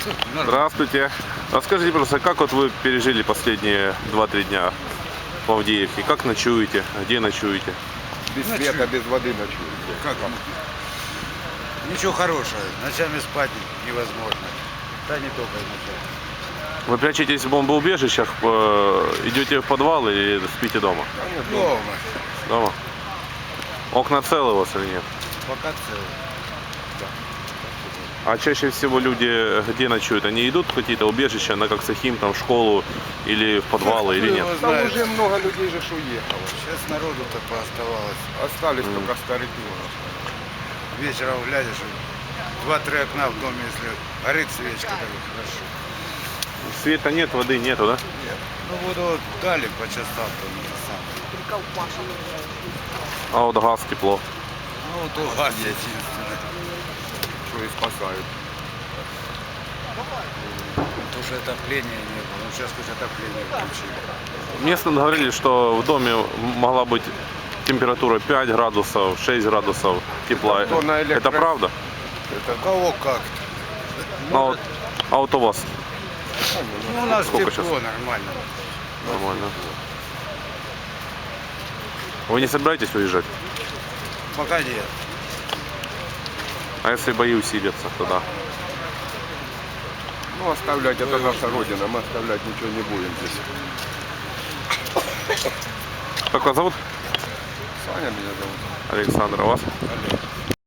Здравствуйте. Расскажите, пожалуйста, как вот вы пережили последние 2-3 дня в Авдеевке? Как ночуете? Где ночуете? Без света, без воды ночуете. Как? Ничего хорошего. Ночами спать невозможно. Да не только ночами. Вы прячетесь в бомбоубежищах, идете в подвал или спите дома? Дома. Дома. Окна целы у вас или нет? Пока целый. А чаще всего люди где ночуют? Они идут в какие-то убежища, на Коксахим, там, в школу или в подвалы, или нет? Кто Там знает. уже много людей же уехало. Сейчас народу-то пооставалось. Остались только старики. Вечером глядишь, 2-3 окна в доме, если горит свечка, так и хорошо. Света нет, воды нету, да? Нет. Ну воду вот дали по частам, то не самое. А вот газ, тепло. Ну вот у вас единственное. Что и спасают. Потому что отопления не было. Ну сейчас хоть отопление включили. Местные говорили, что в доме могла быть температура 5 градусов, 6 градусов тепла. То на Это правда? У кого как? А вот у вас Ну у нас Сколько тепло сейчас? нормально. нормально. Вы не собираетесь уезжать? Пока нет. А если бои усилятся, тогда? Ну, оставлять, это наша родина, мы оставлять ничего не будем здесь. Как вас зовут? Саня меня зовут. Александр, а вас? Олег.